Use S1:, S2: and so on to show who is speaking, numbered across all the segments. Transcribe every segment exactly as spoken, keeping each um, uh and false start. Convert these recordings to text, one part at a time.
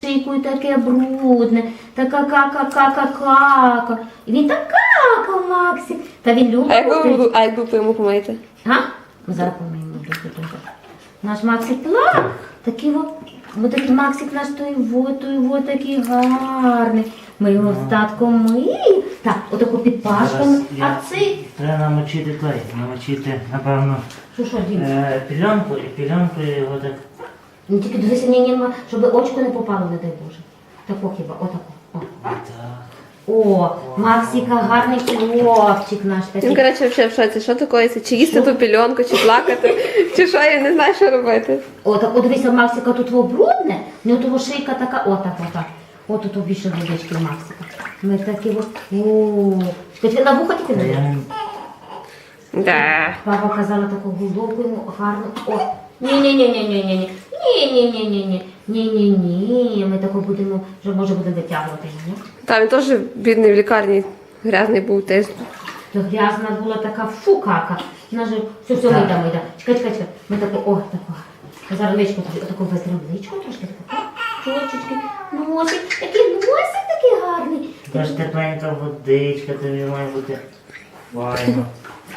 S1: шийкою таке брудне, така кака-кака-кака. І він так какав, Максик. Та він любить.
S2: А як ви, а як ви йому помиєте?
S1: Га? Ми зараз помиємо. Наш Максик плак. Такий от, от такий Максик наш той вот, той вот такий гарний. Ми його з татком миємо. Так, отаку під пашками. А цей...
S3: Треба намочити той, намочити, напевно,
S1: Що, що, Дім?
S3: е, пільонку, і пільонкою його так.
S1: Ну тільки дивися, ні, ні, щоб очко не попало, не дай Боже. Тако хіба, отако. О.
S3: Так.
S1: О, Максика гарний хлопчик наш такий.
S2: Він, коротше, взагалі в шоці. Що такоїться? Чи їсти ту пільонку, чи плакати, чи що, я не знаю, що робити.
S1: О, так, от дивися, Максика тут во брудне, в нього того шийка така, отак, отак. От тут більше водички в Максика. Ми такі от, о, ти на вуха тільки не дивись.
S2: Да.
S1: Папа казала таку головку йому гарну. О, ні-ні-ні-ні-ні-ні. Ні-ні-ні-ні-ні. Ні-ні-ні. Ми таку будемо, вже може будемо витягувати. Ні?
S2: Та він теж бідний в лікарні грязний був теж.
S1: То грязна була така фу кака. Вона же все, все, мида, мида. Чекай, чекай, чекай. Ми таку, о, таку. Зараз личко тобі, отаку витрим личко трошки таку. Чочечки, носик, такий носик такий гарний.
S3: Така ж тепленька водичка, тобі має бути файно.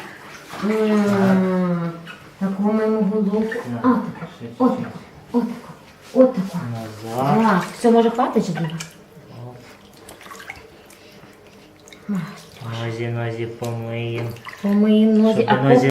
S1: М, Таку моєму головку. А, таку, отаку, отаку, отаку.
S3: Назад.
S1: А, все, може хватить чи буде?
S3: Нозі, нозі помиємо.
S1: По моїм нозі,
S3: Щоб
S1: а по
S3: нозі